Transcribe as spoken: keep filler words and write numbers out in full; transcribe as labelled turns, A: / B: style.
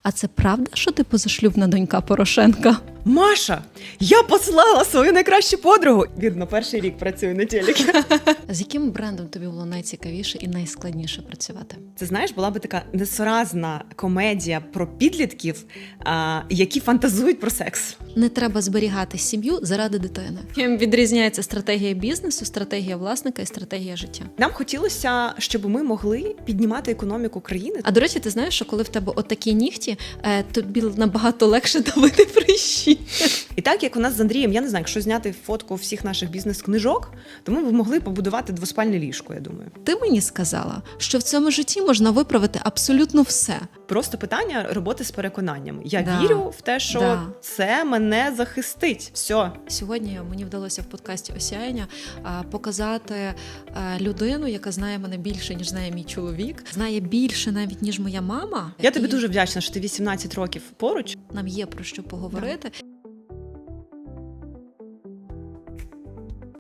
A: А це правда, що ти позашлюбна донька Порошенка?
B: Маша, я послала свою найкращу подругу. Видно, перший рік працюю на телекі.
A: З яким брендом тобі було найцікавіше і найскладніше працювати?
B: Це, знаєш, була би така несуразна комедія про підлітків, а, які фантазують про секс.
A: Не треба зберігати сім'ю заради дитини. Чим відрізняється стратегія бізнесу, стратегія власника і стратегія життя?
B: Нам хотілося, щоб ми могли піднімати економіку країни.
A: А до речі, ти знаєш, що коли в тебе отакі нігті, е, тобі набагато легше давити прищі.
B: І так, як у нас з Андрієм, я не знаю, якщо зняти фотку всіх наших бізнес-книжок, то ми б могли побудувати двоспальне ліжко, я думаю.
A: Ти мені сказала, що в цьому житті можна виправити абсолютно все.
B: Просто питання роботи з переконаннями. Я
A: Да.
B: вірю в те, що
A: Да.
B: це мене захистить. Все.
A: Сьогодні мені вдалося в подкасті «Осяяння» а, показати а, людину, яка знає мене більше, ніж знає мій чоловік, знає більше навіть, ніж моя мама.
B: Я тобі
A: І
B: дуже вдячна, що ти вісімнадцять років поруч.
A: нам є про що поговорити.